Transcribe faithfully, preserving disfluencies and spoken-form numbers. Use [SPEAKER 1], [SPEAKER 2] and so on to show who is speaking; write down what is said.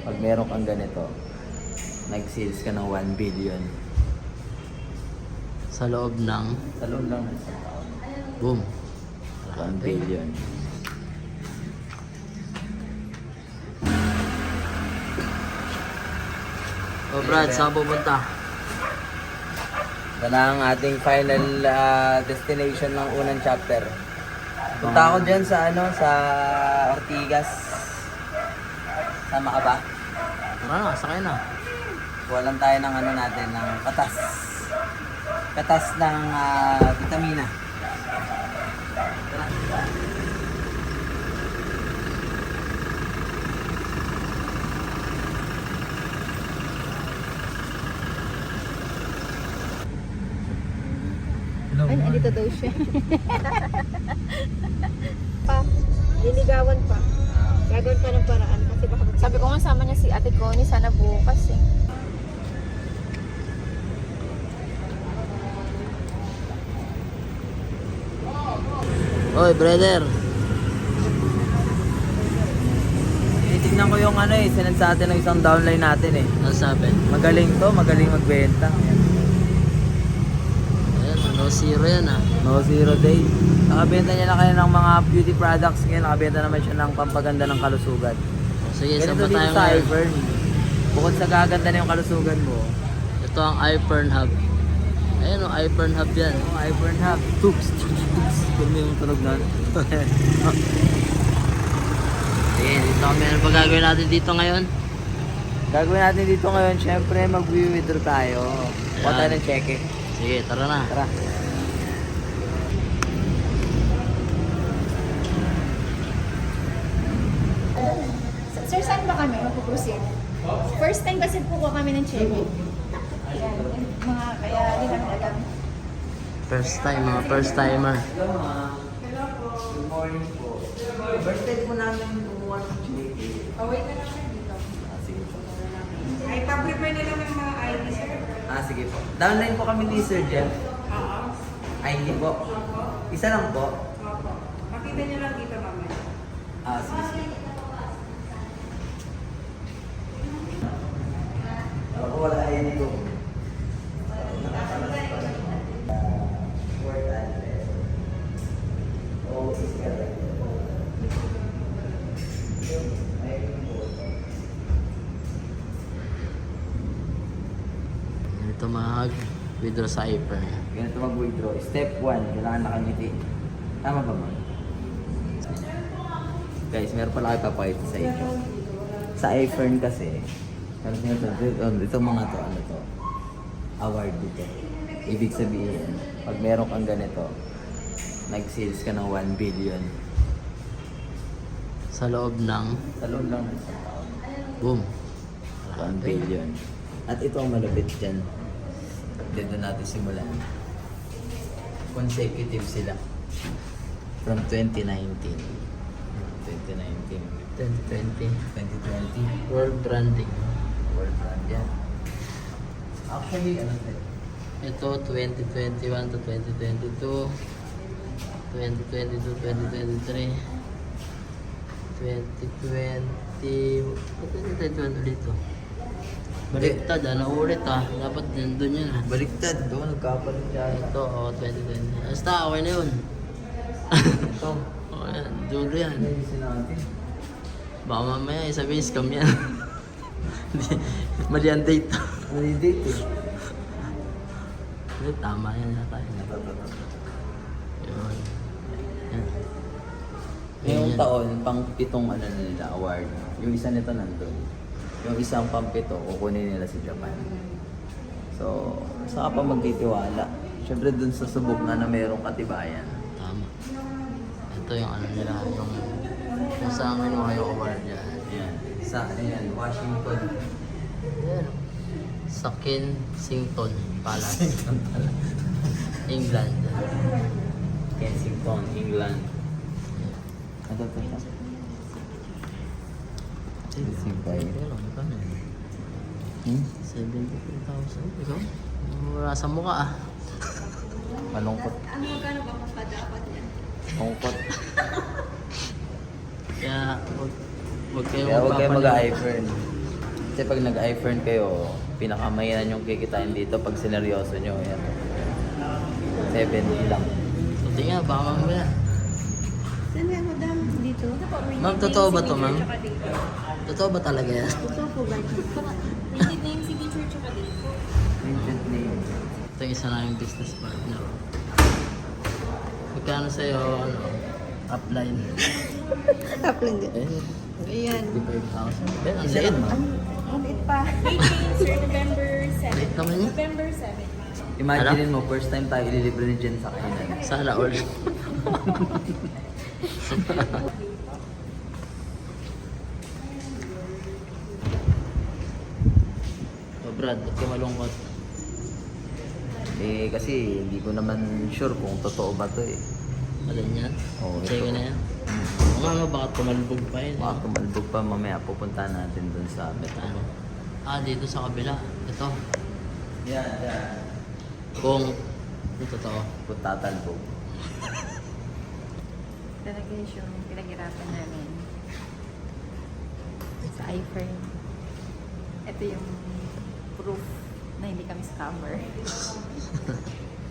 [SPEAKER 1] Pag meron kang ganito, nag-sales ka ng one billion.
[SPEAKER 2] Sa loob ng
[SPEAKER 1] Sa loob lang ng isang taon.
[SPEAKER 2] boom.
[SPEAKER 1] one billion.
[SPEAKER 2] O Brad, saan pupunta?
[SPEAKER 1] Ito na ang ating final ah, destination ng unang chapter. Punta ako dyan sa ano, sa Ortigas. Sama ka ba?
[SPEAKER 2] Tara na, sakay na.
[SPEAKER 1] Kuha lang tayo ng ano natin, ng katas. Katas ng ah, vitamina. Tara.
[SPEAKER 3] Ay, andito daw siya. pa, liligawan pa. Gagawin pa ng paraan kasi baka mag-
[SPEAKER 4] Sabi ko nga sama niya si Ate Connie sana bukas eh.
[SPEAKER 2] Oy, brother.
[SPEAKER 1] Tinitignan ko yung ano eh, sinend sa atin ng isang downline natin eh.
[SPEAKER 2] Ano sabi?
[SPEAKER 1] Magaling to, magaling magbenta. Ayan.
[SPEAKER 2] Ayan, no zero yan ah.
[SPEAKER 1] No zero day. Nakabenta niya na kayo ng mga beauty products ngayon. Nakabenta naman siya ng pampaganda ng kalusugan.
[SPEAKER 2] O, sige, saan
[SPEAKER 1] Ganito
[SPEAKER 2] ba
[SPEAKER 1] dito
[SPEAKER 2] tayo
[SPEAKER 1] sa
[SPEAKER 2] ngayon?
[SPEAKER 1] Ivern. Bukod sa gaganda na yung kalusugan mo.
[SPEAKER 2] Ito ang iPern Hub. Ayan o, iPern Hub yan.
[SPEAKER 1] Oh, Ivern Hub. Toops, toops, toops. Kung may yung tunog na.
[SPEAKER 2] Sige, dito kami. Ano ba gagawin natin dito ngayon?
[SPEAKER 1] Gagawin natin dito ngayon, syempre mag-withdraw tayo. Kuha tayo ng cheque.
[SPEAKER 2] Sige, tara na.
[SPEAKER 1] Tara.
[SPEAKER 4] Sir, saan ba kami magpuproceed? First time kasi po ko kami ng check. Ayan, mga kaya di namin alam.
[SPEAKER 2] First time, mga first timer.
[SPEAKER 1] Hello, ma'am. Good morning po. Birthday po namin kumuha ng cheque.
[SPEAKER 3] Oh, wait na lang siya dito.
[SPEAKER 1] Ah, sige po.
[SPEAKER 3] Ay, pa-prepare na lang ng mga I D, sir.
[SPEAKER 1] Ah, sige po. Downline po kami ni Sir Jeff.
[SPEAKER 3] Oo.
[SPEAKER 1] Ay, hindi po. Isa lang po.
[SPEAKER 3] Opo. Makita niyo lang dito, mamaya.
[SPEAKER 1] Ah, sige, sige. Ako wala yan dito.
[SPEAKER 2] Dito mag-withdraw sa iPern.
[SPEAKER 1] Ganito mag-withdraw. Step one, kailangan nakangiti. Tama ba mo? Guys, meron pala kayo papakita sa inyo. Sa iPhone kasi, meron nyo ito, ito, ito mga to, ano to, award dito. Ibig sabihin, pag meron kang ganito, nag-sales ka ng one billion.
[SPEAKER 2] Sa loob ng
[SPEAKER 1] Sa loob lang ng isang taon.
[SPEAKER 2] boom.
[SPEAKER 1] one billion. At ito ang malapit dyan. Dito natin simulan. Consecutive sila. From twenty nineteen. twenty nineteen.
[SPEAKER 2] twenty twenty.
[SPEAKER 1] twenty twenty.
[SPEAKER 2] World branding.
[SPEAKER 1] World brand yan. Actually, ano ito?
[SPEAKER 2] Ito, twenty twenty-one to twenty twenty-two. twenty twenty-two, twenty twenty-three. twenty twenty. Ba't twenty twenty-one ulit to? Baliktad ah, naulit ah. Dapat nandun yun ah.
[SPEAKER 1] Baliktad. Doon, nagkapalit siya.
[SPEAKER 2] Ito, oh, twenty twenty. Basta, okay na yun.
[SPEAKER 1] Ito.
[SPEAKER 2] Okay yan, dulo yan.
[SPEAKER 1] Ano yung natin?
[SPEAKER 2] Baka mamaya, isabihin scam yan. Hindi, mali ang date.
[SPEAKER 1] Mali date eh.
[SPEAKER 2] Hindi, tama yan yata. Yun. Yan.
[SPEAKER 1] Ngayong
[SPEAKER 2] Yan.
[SPEAKER 1] taon, pang pitong ano na nila, award. Yung isa nito nandun. Yung isang pang pito, kukunin nila sa Japan. So, saka pa magtitiwala. Siyempre dun sa subok na na mayroong katibayan.
[SPEAKER 2] Tama. Ito yung ano nila, yung kung saan kinuha yung award yan.
[SPEAKER 1] Yan. Sa ano yan, Washington.
[SPEAKER 2] Yan. Sa Kensington Palace. England.
[SPEAKER 1] Kensington, England. Ano to siya? Simpay. Hmm?
[SPEAKER 2] seventy-two thousand. Ikaw? Wala sa mukha ah.
[SPEAKER 1] Malungkot.
[SPEAKER 3] Ano magkano ba kung dapat yan?
[SPEAKER 1] Malungkot.
[SPEAKER 2] Kaya, wag, wag kayo
[SPEAKER 1] Kaya huwag kayo
[SPEAKER 2] magpapaniwala.
[SPEAKER 1] mag-iPhone. Kasi pag nag-iFern kayo, pinakamayanan yung kikitain dito pag sineryoso nyo. Yan. seventy lang.
[SPEAKER 2] So, tingnan, baka mamaya.
[SPEAKER 3] Saan nga, madam? Dito?
[SPEAKER 2] Ma'am, totoo ba to, ma'am? Totoo ba talaga yan?
[SPEAKER 3] Totoo po ba?
[SPEAKER 4] Printed name, signature, tsaka date.
[SPEAKER 1] Printed name.
[SPEAKER 2] Ito yung isa na yung business partner. Magkano sa'yo, ano, upline?
[SPEAKER 3] Top lang din.
[SPEAKER 2] Eh,
[SPEAKER 3] Ayan.
[SPEAKER 2] fifty-five thousand. Ben, ang liit, ma'am.
[SPEAKER 3] Ang lit pa.
[SPEAKER 4] Date name, sir, November seventh.
[SPEAKER 2] Liit naman yun.
[SPEAKER 4] November seventh.
[SPEAKER 1] Imagine mo, first time tayo ililibre ni Jen sa kainan.
[SPEAKER 2] Sana all. Oh, Brad, ba't ka malungkot?
[SPEAKER 1] Eh, kasi hindi ko naman sure kung totoo ba to eh.
[SPEAKER 2] Alin yan?
[SPEAKER 1] Oo,
[SPEAKER 2] Check
[SPEAKER 1] ito.
[SPEAKER 2] na yan. Oo nga nga, baka tumalbog pa yun.
[SPEAKER 1] Baka
[SPEAKER 2] eh.
[SPEAKER 1] tumalbog pa mamaya, pupunta natin dun sa
[SPEAKER 2] Ano? Ah, dito sa kabila. Ito.
[SPEAKER 1] Yan, yan.
[SPEAKER 2] Kung ito totoo.
[SPEAKER 1] Kung tatalbog.
[SPEAKER 4] Talaga yung pinaghirapan namin sa iFrame. Ito yung proof na hindi kami scammer.